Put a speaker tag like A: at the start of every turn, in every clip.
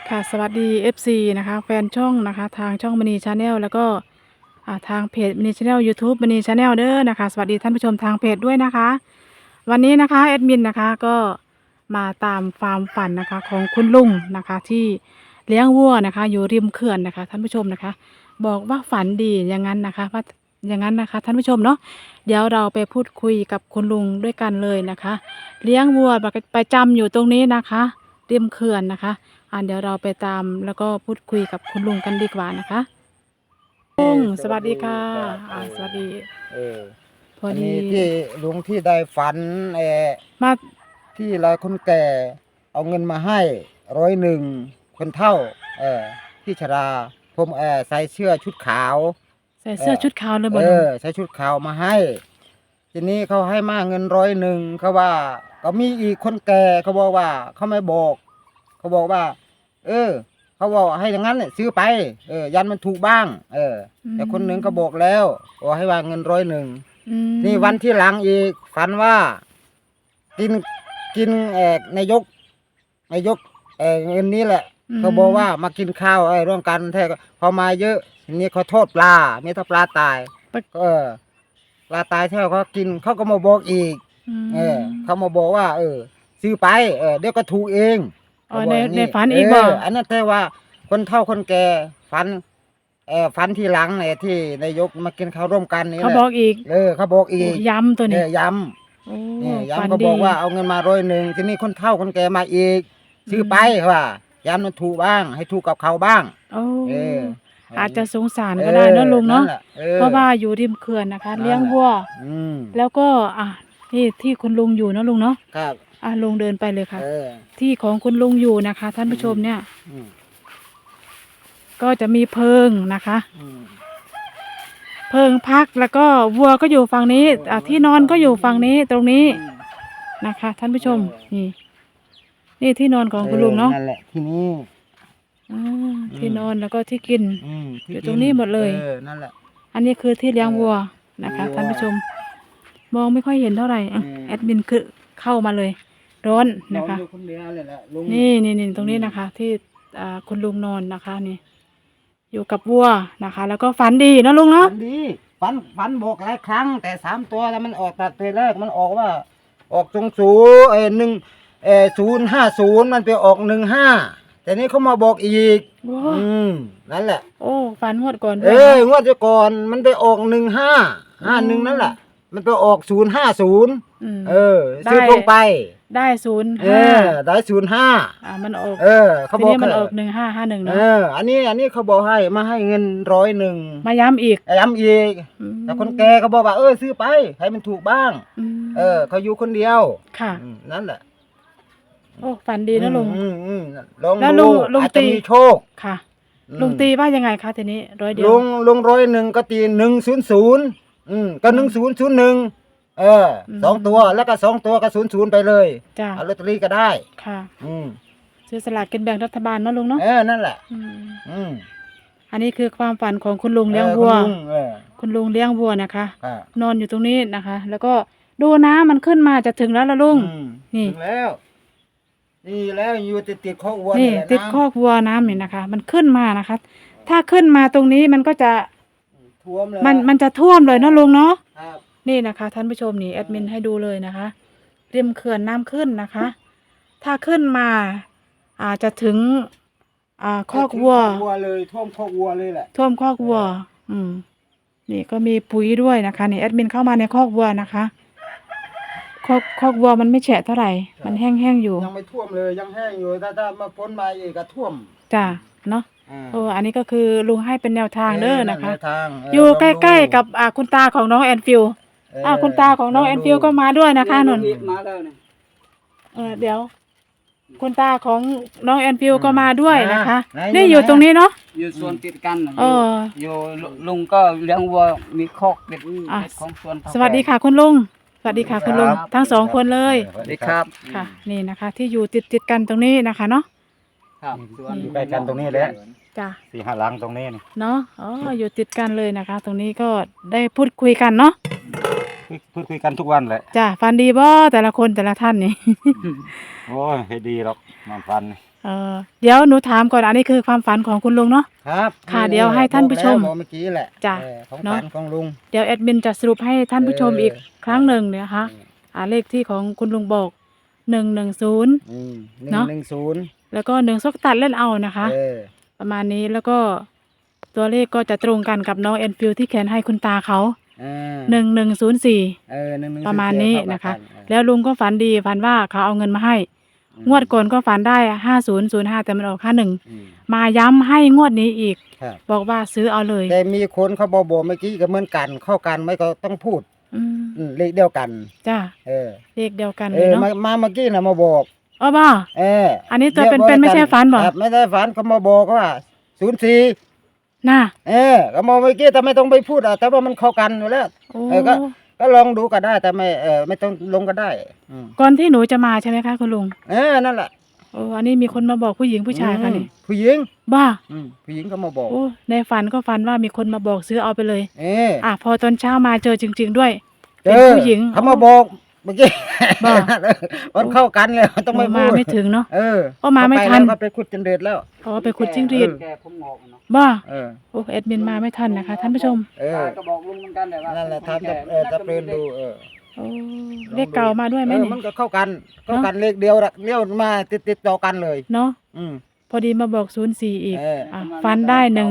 A: ค่ะสวัสดี FC นะคะแฟนช่องนะคะทางช่องมณีชาแนลแล้วก็ทางเพจมณีชาแนล YouTube มณีชาแนลเด้อนะคะสวัสดีท่านผู้ชมทางเพจด้วยนะคะวันนี้นะคะแอดมินนะคะก็มาตามฟาร์มฝันนะคะของคุณลุงนะคะที่เลี้ยงวัวนะคะอยู่ริมเขื่อนนะคะท่านผู้ชมนะคะบอกว่าฝันดีอย่างนั้นนะคะว่าอย่างนั้นนะคะท่านผู้ชมเนาะเดี๋ยวเราไปพูดคุยกับคุณลุงด้วยกันเลยนะคะเลี้ยงวัวประจำอยู่ตรงนี้นะคะริมเขื่อนนะคะ เดี๋ยวเราไปตามแล้วก็พูดคุยกับคุณลุงกันดีกว่านะคะลุงสวัสดีค่ะ
B: ครับ
A: สวัสดี
B: เออ
A: พอ
B: อัน
A: ดี
B: นี้ที่ลุงที่ได้ฝัน
A: มา
B: ที่เราคนแก่เอาเงินมาให้101คนเฒ่าที่ชราผมใส่เสื้อชุดขาว
A: ใส่เสื้อชุดขาวเลยบ่ลุง
B: ใส่ชุดขาวมาให้ทีนี้เขาให้มาเงิน101เขาว่าก็มีอีกคนแก่เขาบอกว่าเขาไม่บอกเขาบอกว่า เขาบอกให้อย่างนั้นเนี่ยซื้อไปยันมันถูกบ้างแต่คนหนึ่งก็บอกแล้วบอกให้วางเงิน101นี่วันที่หลังอีกฝันว่ากินนายกเงินนี้แหละเขาบอกว่ามากินข้าวร่วมกันแท้พอมาเยอะทีนี้เขาโทษปลาไม่ถ้าปลาตายปลาตายแท้เขากินเขาก็มาบอกอีกเขามาบอกว่าซื้อไปเดี๋ยวก็ถูกเอง
A: ในฝันอีกบ่
B: อันนั้นแต่ว่าคนเฒ่าคนแก่ฝันทีหลังที่นายกมากินข้าวร่วมกันนี่
A: เขาบอกอีก
B: เขาบอกอีก
A: ย้ำตัวนี้
B: ย้ำย้ำก็บอกว่าเอาเงินมา101ทีนี้คนเฒ่าคนแก่มาอีกซื้อไปว่าย้ำมันถูกบ้างให้ถูกกับเขาบ้าง
A: อาจจะสงสารก็ได้นะลุงเนาะเพราะว่าอยู่ริมเขื่อนนะคะเลี้ยงวัวแล้วก็นี่ที่คุณลุงอยู่นะลุงเนาะ
B: ครับ
A: ลุงเดินไปเลยค่ะที่ของคุณลุงอยู่นะคะท่านผู้ชมเนี่ยก็จะมีเพิงนะคะเพิงพักแล้วก็วัวก็อยู่ฝั่งนี้ที่นอนก็อยู่ฝั่งนี้ตรงนี้นะคะท่านผู้ชมนี่ที่นอนของคุณลุงเนาะ
B: นั่นแหละที่นี่
A: ที่นอนแล้วก็ที่กินอยู่ตรงนี้หมดเลย
B: นั่นแหละ
A: อันนี้คือที่เลี้ยงวัวนะคะท่านผู้ชมมองไม่ค่อยเห็นเท่าไหร่แอดมินคือเข้ามาเลยร้อนนะคะนี่ตรงนี้นะคะ ที่คุณลุงนอนนะคะนี่อยู่กับวัวนะคะ แล้วก็ฝันดีนะลุงเนาะ
B: ฝันดีฝันบอกหลายครั้งแต่3 ตัวแล้วมันออกตัดตัวแรกมันออกว่าออก050มันไปออก15แต่นี้เขามาบอกอีกนั่นแหละ
A: โอ้ฝันงวดก่อน
B: งวดก่อนมันไปออก1551นั่นแหละมันไปออก050ซื้อลงไป
A: ได้05
B: ได้05
A: มันออก
B: เขาบอก
A: มันออก1551เนาะ
B: อันนี้เขาบอกให้มาให้เงิน101
A: มาย้ำอีก
B: แต่คนแก่เขาบอกว่าซื้อไปให้มันถูกบ้างเขาอยู่คนเดียว
A: ค่ะ
B: นั่นแหละ
A: โอ้ฝันดีนะลุง
B: แล้วลุงอาจจะมีโชค
A: ค่ะลุงตีว่ายังไงคะทีนี้100เดียว
B: ลุง101ก็ตี100ก็10012 ตัวแล้วก็2 ตัวก็00ไปเลยเอาลอตเตอรี่ก็ได้
A: ค่ะซื้อสลากกินแบ่งรัฐบาลเนาะลุงเนาะ
B: นั่นแหละ
A: อันนี้คือความฝันของคุณลุงเลี้ยงวัวคุณลุงเลี้ยงวัวนะคะนอนอยู่ตรงนี้นะคะ แล้วก็ดูน้ำมันขึ้นมาจะถึงแล้วละลุง
B: นี่ถึงแล้วนี่แล้วอยู่ติดคอกวัว
A: นี่ติดคอกวัวน้ำนี่นะคะ มันขึ้นมานะคะ ถ้าขึ้นมาตรงนี้มันก็จะ
B: ท่วมเลย
A: มันจะท่วมเลยเนาะลุงเนาะนี่นะคะท่านผู้ชมนี่แอดมินให้ดูเลยนะคะริมเขื่อนน้ำขึ้นนะคะ ถ้าขึ้นมาอาจจะถึงคอกวัว
B: เลยท่วมคอกวัวเลยแหละ
A: ท่วมคอกวัวนี่ก็มีปุ๋ยด้วยนะคะนี่แอดมินเข้ามาในคอกวัวนะคะคอกวัวมันไม่แฉะเท่าไหร่มันแห้งๆอยู่
B: ยังไม่ท่วมเลยยังแห้งอยู่ถ้ามาพ้นมาอีกก็ท่วม
A: จ้ะเนาะอันนี้ก็คือลุงให้เป็นแนวทางเด้อนะคะอยู่ใกล้ๆกับคุณตาของน้องแอนฟิลคุณตาของน้องแอนฟิลก็มาด้วยนะคะนนเดี๋ยวคุณตาของน้องแอนฟิลก็มาด้วยนะคะนี่อยู่ตรงนี้เนาะ
C: อยู่สวนติดกันอยู่ลุงก็เลี้ยงวัวมีคอกเป็ดของสวน
A: สวัสดีค่ะคุณลุงสวัสดีค่ะคุณลุงทั้ง2 คนเลย
C: สวัสดีครับ
A: ค่ะนี่นะคะ ที่อยู่ติดกันตรงนี้นะคะเนาะ
B: ครับอยู่ใกล้กันตรงนี้แหละ
A: จ้ะ
B: 4-5 หลังตรงนี้นี่
A: เนาะอยู่ติดกันเลยนะคะ ตรงนี้ก็ได้พูดคุยกันเนาะ
B: พูดคุยกันทุกวันแหละ
A: จ้ะฟันดีบ่แต่ละคนแต่ละท่านนี่
B: โอ้ยให้ดีหรอกนอนฟัน
A: เดี๋ยวหนูถามก่อนอันนี้คือความฝันของคุณลุงเนาะ
B: ครับ
A: ค่ะเดี๋ยวให้ท่านผู้ชม
B: บอกเมื่อกี้แหละ
A: จ้ะ
B: ของ
A: เนาะ
B: ฝันของลุง
A: เดี๋ยวแอดมินจะสรุปให้ท่านผู้ชมอีกครั้งหนึ่งเนี่ยนะคะ
B: อืม
A: เลขที่ของคุณลุงบอก110
B: อืม
A: เนาะ
B: 110
A: แล้วก็1ซกตัดเล่นเอานะคะ ประมาณนี้แล้วก็ตัวเลขก็จะตรงกันกับน้องแอนฟิลที่เขียนให้คุณตาเขา1104
B: 110
A: ประมาณนี้นะคะ
B: เท่ากั
A: แล้วลุงก็ฝันดีฝันว่าเขาเอาเงินมาให้ งวดก่อนก็ฝันได้5005แต่มันออก51
B: อืม
A: มาย้ำให้งวดนี้อีก
B: ครับ
A: บอกว่าซื้อเอาเลย
B: แต่มีคนเขาบอกเมื่อกี้ก็เหมือนกันเข้ากันไม่ก็ต้องพูด
A: อืม
B: เลขเดียวกัน
A: จ้า
B: เออ
A: เลขเดียวกันเลยเนาะ
B: มาเมื่อกี้น่ะมาบอก
A: อ๋อบ่ อันนี้ตัวเป็นๆไม่ใช่ฝันบ่
B: ครับไม่ได้ฝันเขามาบอกว่า04
A: น่ะ
B: ก็มาเมื่อกี้แต่ไม่ต้องไปพูดแต่ว่ามันเข้ากันอยู่แล้ว
A: โอ้
B: ก็ลองดูก็ได้แต่ไม่ต้องลงก็ได้
A: ก่อนที่หนูจะมาใช่ไหมคะคุณลุง
B: นั่นแหละ
A: โอ้อันนี้มีคนมาบอกผู้หญิงผู้ชายคะนี่
B: ผู้หญิง
A: บ้า
B: ผู้หญิงก็มาบอก
A: โอ้ในฝันก็ฝันว่ามีคนมาบอกซื้อเอาไปเลย
B: เออ
A: พอตอนเช้ามาเจอจริง ๆ ด้วย
B: เจ
A: เป็น
B: อ
A: ผู้หญิง
B: เขามาบอกเมื่อกี้
A: บอก
B: มันเข้ากันเลยต้องไม่
A: มา
B: พูด
A: ไม่ถึงเนาะ
B: เออ
A: มาไม่ทัน
B: ก็ไปขุดจนเดือดแล้ว
A: อ๋อไปขุดจิ้งหรีด
C: แกผมงอกเนาะ
A: บ้า
B: เออ
A: โอ้แอดมินมาไม่ทันนะคะ ท่านผู้ชม
B: เออ
C: ก็บอกลุงเหมือนกันแต่ว่า
B: นั่นแหละทำจะเปลี่ยนดู
A: โอ้เลขเก่ามาด้วยไหมนี่
B: มันก็เข้ากันเลขเดียวเลี้ยวมาติดต่อกันเลย
A: เนาะ
B: อืม
A: พอดีมาบอก04อีก
B: เออ
A: ฟันได้110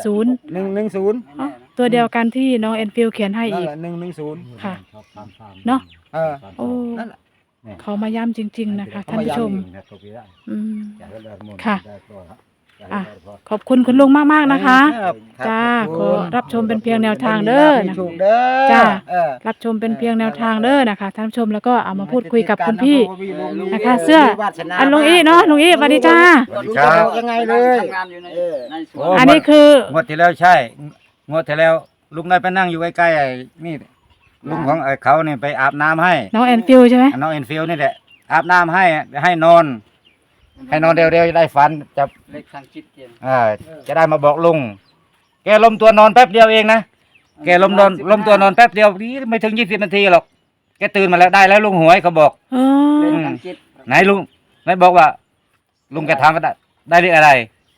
B: 110
A: ตัวเดียวกันที่น้องแอนฟิลเขียนให้
B: นั่น
A: อีก
B: แหละ110
A: ค่ะ เนาะ
B: เออ
A: โอ้
B: นั่นแหละ
A: เขามาย้ำจริง ๆ นะคะ
B: เขา
A: ท่าน
B: มา
A: ผู้ชม
B: ย้ำ
A: อืม ค่ะ ขอบคุณคุณลุงมาก ๆ นะคะ
B: ครับ
A: จ้า
B: ข
A: ข
B: อ
A: อบ
B: คุณ
A: รับชมเป็นเพียงแนวทางเด้อ
B: ให้มี
A: นะ
B: ถูกเด้อ
A: จ้า
B: เออ
A: รับชมเป็นเพียงแนวทางเด้อนะคะท่านผู้ชมแล้วก็เอามาพูดคุยกับคุณพี่ นะคะ
B: มี
A: เสื้อ
B: วาสนา
A: ลุงอี้เนาะลุงอี้สวัสดีจ้า
D: สวัสดีครับ
B: ยังไงเลย
C: ทำงานอยู่ใน
B: เออ
C: ในสว
D: โอ้
C: น
A: อันนี้คือง
D: วดที่แล้วใช่ งวดที่แล้วลุงได้ไปนั่งอยู่ใกล้ๆไอ้นี่ลุงของไอ้เขาเนี่ยไปอาบน้ำให้
A: น้องแอนฟิลใช่ไหม
D: น้องเอ็นฟิลนี่แหละอาบน้ำให้นอน ให้นอนเร็วๆจะได้ฝันจะ
C: เล็กทางจิตเย็น
D: จะได้มาบอกลุงแกล้มตัวนอนแป๊บเดียวเองนะแกล้มตัวนอนแป๊บเดียวนี่ไม่ถึง20 นาทีหรอกแกตื่นมาแล้วได้แล้วลุงหวยเขาบอก
A: อ๋อ
C: เล็กทางจิต
D: ไหนลุงไหนบอกว่า ลุงแกทางก็ได้เลขอะไร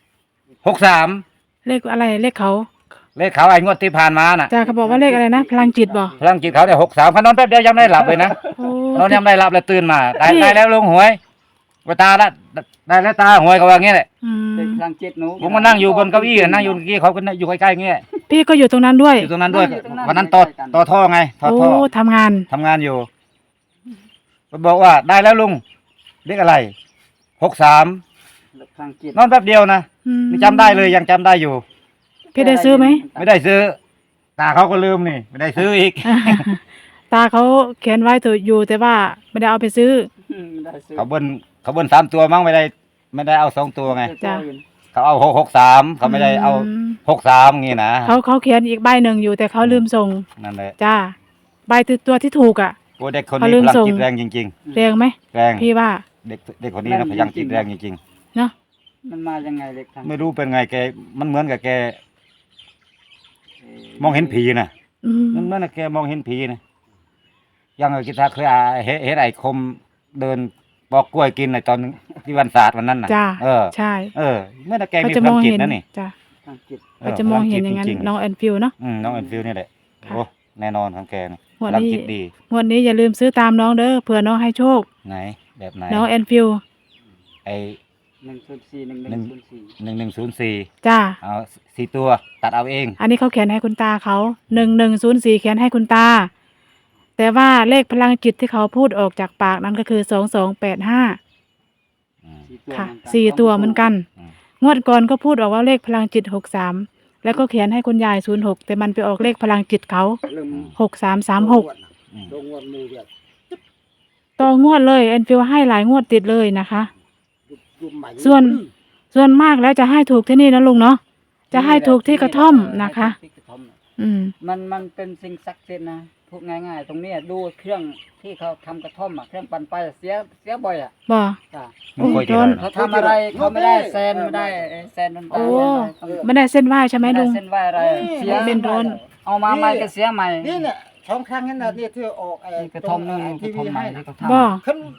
D: 63
A: เลขอะไรเลขเขา
D: เลขเขาไอ้งวดที่ผ่านมาน่ะ
A: จ้าเขาบอกว่าเลขอะไรนะ พลังจิตบ่
D: พลังจิตเขาเนี่ย63เขานอนแป๊บเดียวยังไม่ได้หลับเลยนะ
A: โอ้
D: นอนยังไม่ได้หลับเลยตื่นมาได้
A: พี่
D: ได้แล้วลุงหวยว่าตาละได้แล้วตาหวยเขาว่างี้แหละ
A: อื
C: เล็ก
A: ม
C: ทางจิตหนู
D: ผมก็นั่งอยู่บนเก้าอี้นั่งอยู่เมื่อกี้เขาก็อยู่ใกล้ๆเงี้ย
A: พี่ก็อยู่ตรงนั้นด้วย
D: อยู่ตรงนั้นด้วยวันนั้นต่อท่อไงท่อ
A: โอ้
D: ท่อ
A: ทำงาน
D: ทำงานอยู่ก็บอกว่าได้แล้วลุงเลขอะไร63
C: เล็กทางจิต
D: นอนแป๊บเดียวนะ
A: อืม
D: นี่จำได้เลยยังจำได้อยู่
A: พี่ได้ซื้อไหม
D: ไม่ได้ซื้อ ตาเขาก็ลืมนี่ ไม่ได้ซื้ออีก
A: ตาเขาเขียนไว้ถูกอยู่แต่ว่าไม่ได้เอาไปซื้อ
C: ได้ซื้อ
D: เขาเบิ้ล3 ตัวมั้งไม่ได้เอา2 ตัวไง
A: จ้ะ
D: เขาเอา663เขาไม่ได้เอา
A: อืม
D: 63งี้นะ
A: เขาเขียนอีกใบหนึ่งอยู่แต่เขาลืมส่ง
D: นั่นแหละ
A: จ้าใบตัวที่ถูกอ่ะ
D: โอ้เด็กคน
A: เขา
D: นี้
A: ลืม
D: พลัง
A: ส่ง
D: จิตแรงจริง
A: เรียงไหม
D: ๆแรง
A: พี่ว่า
D: เด็กคนนี้นะพลังจิตแรงจริง
A: เนาะ
C: มันมายังไงเล็กทาง
D: ๆ ไม่รู้เป็นไงแกมันเหมือนกับแกมองเห็นผีนะ
A: อืม
D: มันเหมือนกับแกมองเห็นผีนะยังกิตาเคยเห็นไอ้คมเดินปอกกล้วยกินในตอนที่วันศาสตร์วันนั้นน่ะ
A: จ้า
D: ใช่ เมื่อแก
A: เขา
D: มี
A: จะ
D: พ
A: ม
D: ลั
A: อง ง
D: จิต
A: เห็น
D: นะนี่
A: จ้า
C: ทางจิต
A: เขาจะมองเห็นอย่างนั้น
D: พลัจิตจริ
A: น้องแอนฟิลเนาะ
D: น้องเอ็นฟิลนี่แหละ
A: ค่ะ
D: โอ้แน่นอนของแกนะ
A: งว
D: พ
A: ด
D: ลัง
A: นี้
D: จิตดี
A: งวดนี้อย่าลืมซื้อตามน้องเด้อเผื่อน้องให้โชค
D: ไหนแบบไหน
A: น้องแอนฟิล
D: ไอ้
C: 104
A: จ้า
D: เอา4 ตัวตัดเอาเอง
A: อันนี้เขาเขียนให้คุณตาเขา1104เขียนให้คุณตา แต่ว่าเลขพลังจิตที่เขาพูดออกจากปากนั้นก็คือ2285
D: อืม
A: ค่ะ4 ตัวเหมือนกัน
D: อืม
A: งวดก่อนก็พูดออกว่าเลขพลังจิต63แล้วก็เขียนให้คุณยาย06แต่มันไปออกเลขพลังจิตเขา
B: เริ่ม
A: 6336
D: อืม
B: ลงงวดมือเดียว
A: ต่องวดเลยแอนฟิลให้หลายงวดติดเลยนะคะ
B: ยุบใหม่
A: ส่วนมากแล้วจะให้ถูกที่นี่นะลุงเนาะจะให้ถูกที่กระท่อมนะคะ
C: ที่กระท่อมน่ะ
A: อืม
C: มันเป็นสิ่งศักดิ์สิทธิ์นะพูดง่ายๆ ตรงเนี้ยดูเครื่องที่เขาทำกระท่อมอ่ะเครื่องปั่นไฟเสียบ่อยอ่ะ
A: บ่
C: จ้ะ
D: ไม่ค่อยดี
A: โดน
D: เลย
C: เขาทำอะไรเขาไม่ได้แซนไม่ได้แซนดนตรี
A: โอ้
C: ไม่ได้
A: ไม่ได้เส้นไหว้ใช่ไหม
C: ไม่ได้
A: ลุง
C: เส้นไหวอะไรเสีย
A: เป็นโดน
C: เอามาใหม่ก็เสียใหม่
B: นี่เนี่ยช่องครั้งนั้นน่ะนี่ที่ออก
C: นี่กระท่อมนึง
B: ที
C: กระท่อ
B: วี
C: มใหม่
B: ให้
C: ที่
B: น่ะ
C: เขาทำ
A: บ่
B: ขึ้น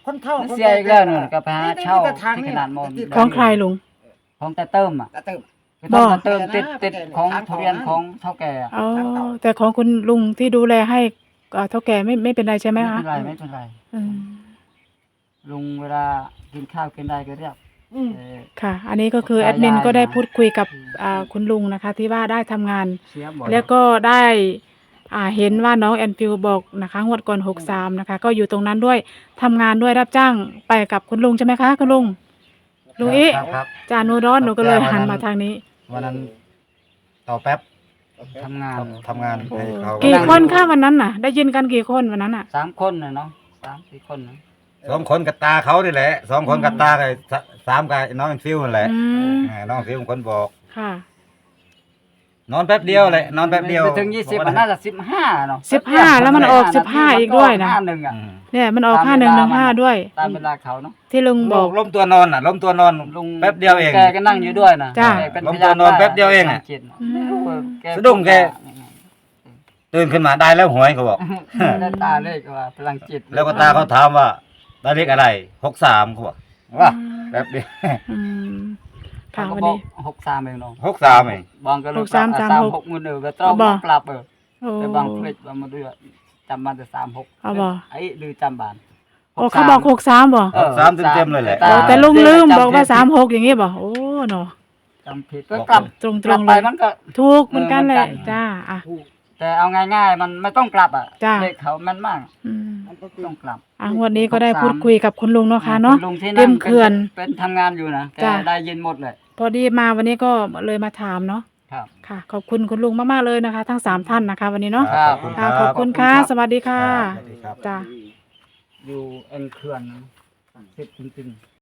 B: คนเฒ่า
C: เสียอีกแล้วนู่นก็ไปหาเช่า
B: แต่ทาง
C: ที่
B: นี้
C: ขนาดมอน
A: ของใครลุง
C: ของแต่เติมอ่ะ
B: ตะเติม
C: คือต้อง
A: บ่
C: มาเติมติดของทุเรียนของเท่าแก่อะ
A: อ๋อแต่ของคุณลุงที่ดูแลให้เท่าแก่ไม่เป็นไรใช่ไหม
C: ไม่
A: คะ
C: เป็นไรไม่เป็นไร
A: อืม
C: ลุงเวลากินข้าวกินได้ก็เรียก
B: อืม
A: ค่ะ อันนี้ก็คือแอดมินก็ได้พูดคุยกับคุณลุงนะคะ ที่ว่าได้ทำงาน
C: เสียบ่อย
A: แล้วก็ได้เห็นว่าน้องแอนฟิวบอกนะคะงวดก่อน63นะคะ ก็อยู่ตรงนั้นด้วยทำงานด้วยรับจ้างไปกับคุณลุงใช่ไหมคะคุณลุงลุงอี
D: ครับ
A: จาหนูร้อนหนูก็เลยหันมาทางนี้
D: วันนั้นต่อแป๊บ
C: ทำงาน
D: ทำงานให้เขา
A: กี่คนคะวันนั้นน่ะ ได้ยินกันกี่คนวันนั้นน่ะ
C: 3 คนน่ะเนาะ3-4 คนนะ
D: 2 คนกับตาเขานี่แหละ2 คนกับตากับ3กับน้องฟิวนั่นแหละ
A: อืม
D: น้องฟิวเป็นคนบอก
A: ค่ะ
D: นอนแป๊บเดียวเลยนอนแป๊บเดียว
C: ไม่ถึง20มันน่าจะ15เนาะ
A: 15แล้วมันออก15อีกด้วยนะ
C: 51อ่ะ
D: อืม
A: เนี่ยมันออก5115ด้วย
C: ตามเวลาเขาเนาะ
A: ที่ลุงบอก
D: ล้มตัวนอนน่ะล้มตัวนอน
C: ลุง
D: แป๊บเดียวเอง
C: แกก็นั่งอยู่ด้วยนะ
A: จ้ะ
C: แกเป็น
D: ล้ม
C: พยาน
D: ตัวนอนแป๊บเดียวเองอะ
C: จิตไม่รู้ว่าแก
D: สะดุ้งแก ตื่นขึ้นมาได้แล้วหวยเขาบอก
C: ได้ตาเลขว่าพลังจิต
D: แล้วก็ตาเขาถามว่าได้เลขอะไร63เขาบอกว่าแป๊บเดียว
A: อืมค่ะ
C: เขา
A: วัน
C: บอ
A: นี้
C: ก63เองเนาะ
D: 63เอง
C: บางก็เลย
A: 63
C: 36มือเดียวก็ต้อง
A: บ่
C: ปรับ
A: โอ้
C: แต่บางเพลดบางมาด้วยจำมาแต่36
A: เอาบ่
C: ไอ้ลือจำบาน
A: โอ้เขาบอก63บ่
D: 63เต็มๆเลยแหละ
A: โอ้แต่ลุงลืมบอกว่า36อย่างงี้บ่โอ้เนาะ
C: จำผิดก็กลับ
A: ตรง
C: กลับ
A: ๆ
C: ไป
A: เลย
C: มันก็
A: ถูกเหมือนกันแหละ
C: เหมือนกัน
A: จ้าอ่ะ
C: แต่เอาง่ายๆมันไม่ต้องกลับอ่ะ
A: จ้ะ
C: เลขเขาแม่นมาก
A: อืม
C: มันก็ต้องกลับ
A: งวดนี้ก็ได้พูดคุยกับคุณลุงเนาะค่ะเนาะ
C: คุณลุงที่
A: เต็
C: นั่ง
A: มเขื่อน
C: เป็นทำงานอยู่นะแก
A: จ้ะ
C: ได้ยินหมดเลย
A: พอดีมาวันนี้ก็เลยมาถามเนาะ
C: ครับ
A: ค่ะ ขอบคุณคุณลุงมากๆเลยนะคะ ทั้ง3ท่านนะคะ วันนี้เนาะ
C: ครับ
A: ค่ะขอบคุณค่ะ สวัสดีค่ะ
D: สวัสดีครับ
A: จ้า
C: อยู่เอ็นเขื่อนนะสิบจริงๆ